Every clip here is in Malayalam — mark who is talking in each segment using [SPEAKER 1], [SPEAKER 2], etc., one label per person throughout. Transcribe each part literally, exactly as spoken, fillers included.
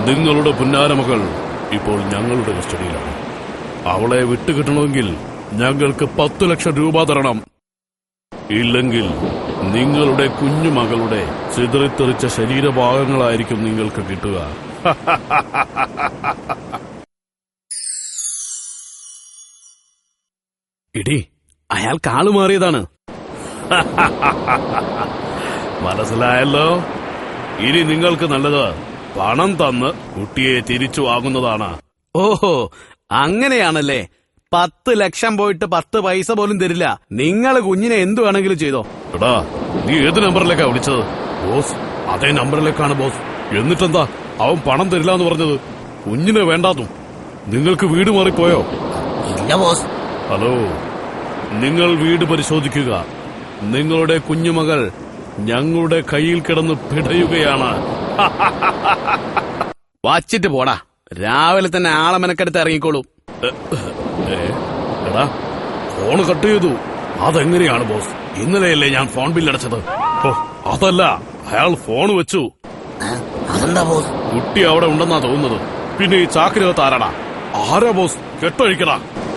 [SPEAKER 1] നിങ്ങളുടെ പുന്നാരമകൾ ഇപ്പോൾ ഞങ്ങളുടെ കസ്റ്റഡിയിലാണ്. അവളെ വിട്ടുകിട്ടണമെങ്കിൽ ഞങ്ങൾക്ക് പത്തു ലക്ഷം രൂപ തരണം. ഇല്ലെങ്കിൽ നിങ്ങളുടെ കുഞ്ഞുമകളുടെ ചിതറിത്തെറിച്ച ശരീരഭാഗങ്ങളായിരിക്കും നിങ്ങൾക്ക് കിട്ടുക. ഇടി, അയാൾ കാളു മാറിയതാണ്. മനസ്സിലായല്ലോ. ഇനി നിങ്ങൾക്ക് നല്ലത് പണം തന്ന് കുട്ടിയെ തിരിച്ചു വാങ്ങുന്നതാണ്.
[SPEAKER 2] ഓഹോ, അങ്ങനെയാണല്ലേ. പത്ത് ലക്ഷം പോയിട്ട് പത്ത് പൈസ പോലും തരില്ല. നിങ്ങൾ കുഞ്ഞിനെ എന്തു വേണമെങ്കിലും ചെയ്തോ.
[SPEAKER 1] എടാ, നീ ഏത് നമ്പറിലേക്കാ വിളിച്ചത്? ബോസ്, അതേ നമ്പറിലേക്കാണ് ബോസ്. എന്നിട്ടെന്താ അവൻ പണം തരില്ല എന്ന് പറഞ്ഞത്? കുഞ്ഞിനെ വേണ്ടാതും. നിങ്ങൾക്ക് വീട് മാറിപ്പോയോ?
[SPEAKER 3] ഇല്ല ബോസ്.
[SPEAKER 1] ഹലോ, നിങ്ങൾ വീട് പരിശോധിക്കുക. നിങ്ങളുടെ കുഞ്ഞുമകൾ ഞങ്ങളുടെ കയ്യിൽ കിടന്ന് പിടയുകയാണ്.
[SPEAKER 2] വച്ചിട്ട് പോടാ. രാവിലെ തന്നെ ആളെ മെനക്കെടുത്ത് ഇറങ്ങിക്കോളൂ.
[SPEAKER 1] എടാ, ഫോണ് കട്ട് ചെയ്തു. അതെങ്ങനെയാണ് ബോസ്? ഇന്നലെയല്ലേ ഞാൻ ഫോൺ ബില്ലടച്ചത്. ഓ, അതല്ല, അയാൾ ഫോൺ വെച്ചു.
[SPEAKER 3] അതെന്താ ബോസ്?
[SPEAKER 1] കുട്ടി അവിടെ ഉണ്ടെന്നാ തോന്നുന്നത്. പിന്നെ ഈ ചാക്കിനകത്ത് ആരാടാ? ആരാ ബോസ്? കെട്ടഴിക്കടാ.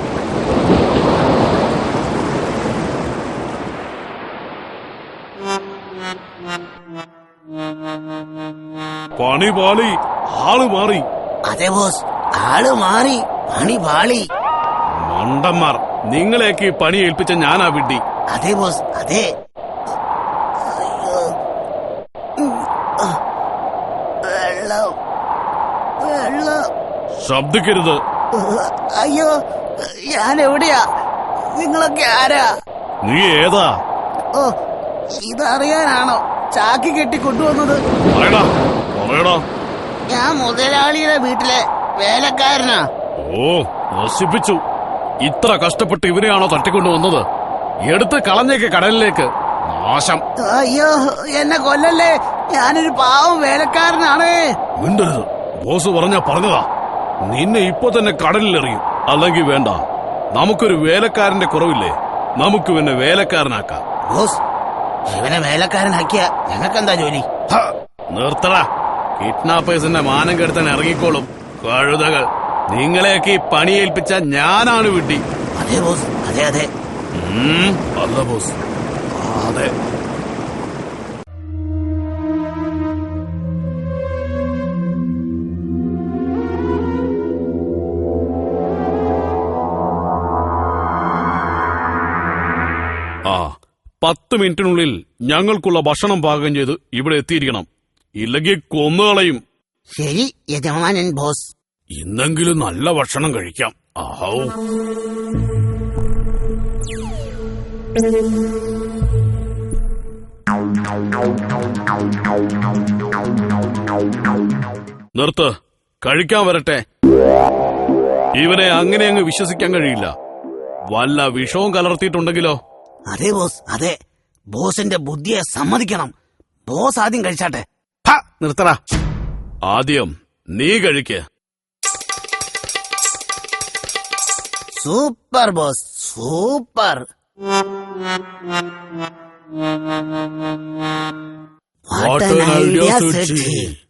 [SPEAKER 1] പണി പാളി, ആള് മാറി.
[SPEAKER 3] അതെ ബോസ്, ആള് മാറി, പണി പാളി.
[SPEAKER 1] മണ്ടന്മാർ, നിങ്ങളെയൊക്കെ ഈ പണി ഏൽപ്പിച്ച ഞാനാ വിഡ്ഢി.
[SPEAKER 3] അതെ ബോസ്, അതെ. വെള്ളം, വെള്ളം.
[SPEAKER 1] ശബ്ദിക്കരുത്.
[SPEAKER 3] അയ്യോ, ഞാൻ എവിടെയാ? നിങ്ങളൊക്കെ ആരാ?
[SPEAKER 1] നീ ഏതാ?
[SPEAKER 3] ഓ, ഇതറിയാനാണോ ചാക്കി കെട്ടി കൊണ്ടുവന്നത്?
[SPEAKER 1] പറയടാ, പറയടാ.
[SPEAKER 3] ഞാൻ മുതലാളിയുടെ വീട്ടിലെ വേലക്കാരനാ.
[SPEAKER 1] ഓ, നശിപ്പിച്ചു. ഇത്ര കഷ്ടപ്പെട്ട് ഇവരെയാണോ തട്ടിക്കൊണ്ടുവന്നത്? എടുത്ത് കളഞ്ഞേക്ക് കടലിലേക്ക്. നാശം.
[SPEAKER 3] അയ്യോ, എന്നെ കൊല്ലല്ലേ. ഞാനൊരു പാവം വേലക്കാരനാണ്.
[SPEAKER 1] മിണ്ടരുത്. ബോസ് പറഞ്ഞാ പറഞ്ഞതാ. നിന്നെ ഇപ്പൊ തന്നെ കടലിലെറിയും. അല്ലെങ്കിൽ വേണ്ട, നമുക്കൊരു വേലക്കാരന്റെ കുറവില്ലേ? നമുക്ക് പിന്നെ വേലക്കാരനാക്കാം.
[SPEAKER 3] ബോസ്, ഇവനെ വേലക്കാരനാക്കിയ ഞങ്ങൾക്കെന്താ ജോലി?
[SPEAKER 1] നിർത്തടാ. കിഡ്നാപ്പേഴ്സിന്റെ മാനം കെടുത്താൻ ഇറങ്ങിക്കോളും കഴുതകൾ. നിങ്ങളെയൊക്കെ ഈ പണിയേൽപ്പിച്ച ഞാനാണ് വിഡ്ഢി.
[SPEAKER 3] അതെ ബോസ്, അതെ അതെ.
[SPEAKER 1] അല്ല ബോസ്, അതെ. ആ, പത്ത് മിനിറ്റിനുള്ളിൽ ഞങ്ങൾക്കുള്ള ഭക്ഷണം പാകം ചെയ്ത് ഇവിടെ എത്തിയിരിക്കണം. ഇല്ലെങ്കിൽ കൊന്നുകളയും.
[SPEAKER 3] ശരി യജമാനൻ ബോസ്.
[SPEAKER 1] ഇന്നെങ്കിലും നല്ല ഭക്ഷണം കഴിക്കാം. ആവൂ. നിർത്ത്, കഴിക്കാൻ വരട്ടെ. ഇവനെ അങ്ങനെ അങ്ങ് വിശ്വസിക്കാൻ കഴിയില്ല. വല്ല വിഷവും കലർത്തിയിട്ടുണ്ടെങ്കിലോ?
[SPEAKER 3] അതെ ബോസ്, അതെ. ബോസിന്റെ ബുദ്ധിയെ സമ്മതിക്കണം. ബോസ് ആദ്യം കഴിച്ചാട്ടെ.
[SPEAKER 2] നിർത്തടാ.
[SPEAKER 1] ആദ്യം നീ കഴിക്ക്.
[SPEAKER 3] Super boss, super.
[SPEAKER 1] What an idea, Suchi.